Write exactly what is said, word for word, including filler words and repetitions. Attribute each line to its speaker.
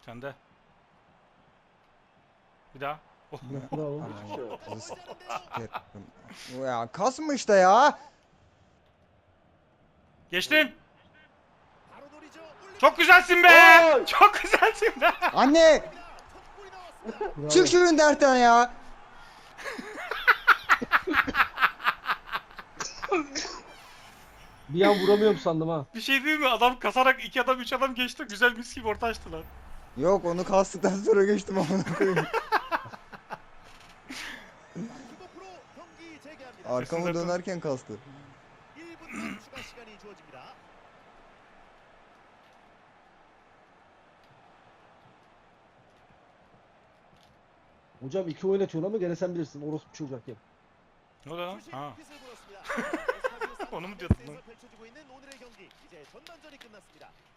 Speaker 1: Sende. Bir daha. Oh.
Speaker 2: Bravo.
Speaker 3: Ananı sikerim. Ya kasma işte ya.
Speaker 1: Geçtin. Çok güzelsin be.
Speaker 4: Oy!
Speaker 1: Çok güzelsin be.
Speaker 3: Anne
Speaker 2: Bravo.
Speaker 3: çık şu internetten ya.
Speaker 2: Bir an vuramıyorum sandım ha.
Speaker 1: Bir şey değil mi? Adam kasarak iki adam üç adam geçti. Güzel mis gibi orta açtılar.
Speaker 3: Yok onu kastıktan sonra geçtim amına koyayım. Arkamı
Speaker 1: Kesin
Speaker 3: dönerken kastı.
Speaker 2: Hocam iki oynatıyorsun ama gene sen bilirsin. Orospu çocuğu hakem.
Speaker 1: Ne oldu lan? Ha. Onu mu diyordun lan?